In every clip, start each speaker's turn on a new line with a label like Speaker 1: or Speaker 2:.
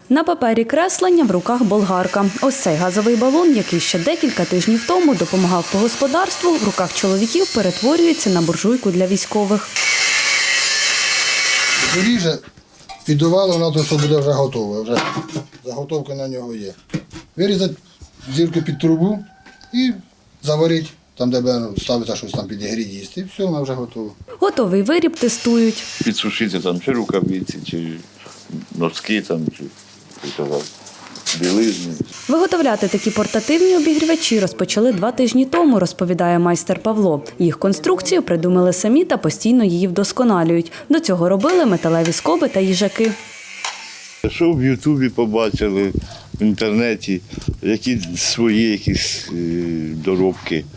Speaker 1: На папері креслення, в руках болгарка. Ось цей газовий балон, який ще декілька тижнів тому допомагав по господарству, в руках чоловіків перетворюється на буржуйку для військових.
Speaker 2: Ріже, піддувало, воно то буде вже готове. Вже заготовка на нього є. Вирізати зірку під трубу і заварити. Там, де ставиться щось там підігріти, їсти, і все, воно вже готово.
Speaker 1: Готовий виріб тестують.
Speaker 3: Підсушити там чи рукавиці, чи носки, там, чи білизни.
Speaker 1: Виготовляти такі портативні обігрівачі розпочали 2 тижні тому, розповідає майстер Павло. Їх конструкцію придумали самі та постійно її вдосконалюють. До цього робили металеві скоби та їжаки.
Speaker 3: Що в Ютубі побачили, в інтернеті, які свої якісь доробки,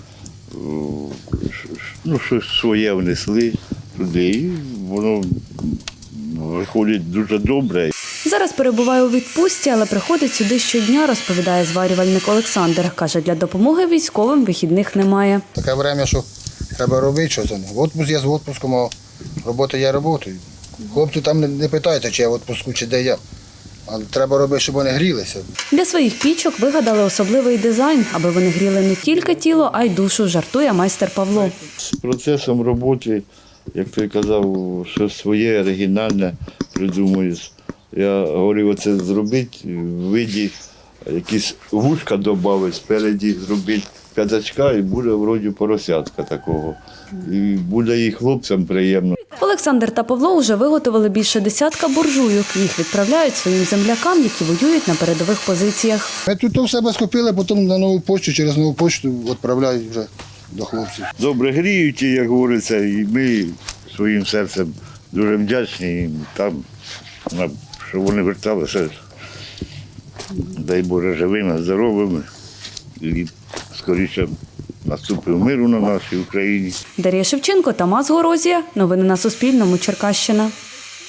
Speaker 3: щось своє внесли туди, і воно виходить дуже добре.
Speaker 1: Зараз перебуває у відпустці, але приходить сюди щодня, розповідає зварювальник Олександр. Каже, для допомоги військовим вихідних немає.
Speaker 2: Таке время, що треба робити щось. Відпуск є з відпуском, а робота є роботою. Хлопці там не питаються, чи я в відпуску, чи де я. Але треба робити, щоб вони грілися.
Speaker 1: Для своїх пічок вигадали особливий дизайн, аби вони гріли не тільки тіло, а й душу, жартує майстер Павло.
Speaker 3: З процесом роботи, як ти казав, щось своє, оригінальне придумуєш. Я говорив, оце зробити в виді якісь вушка додати, спереді зробити п'ятачка і буде вроді поросятка такого. І буде і хлопцям приємно.
Speaker 1: Олександр та Павло вже виготовили більше 10 буржуйок. Їх відправляють своїм землякам, які воюють на передових позиціях.
Speaker 2: Ми тут все скупили, потім на нову почту, через нову почту відправляють вже до хлопців.
Speaker 3: Добре гріють, як говориться, і ми своїм серцем дуже вдячні їм там, що вони верталися, дай Боже, живими, здоровими і скоріше наступив миру на нашій Україні.
Speaker 1: Дар'я Шевченко, Тамас Горозія. Новини на Суспільному. Черкащина.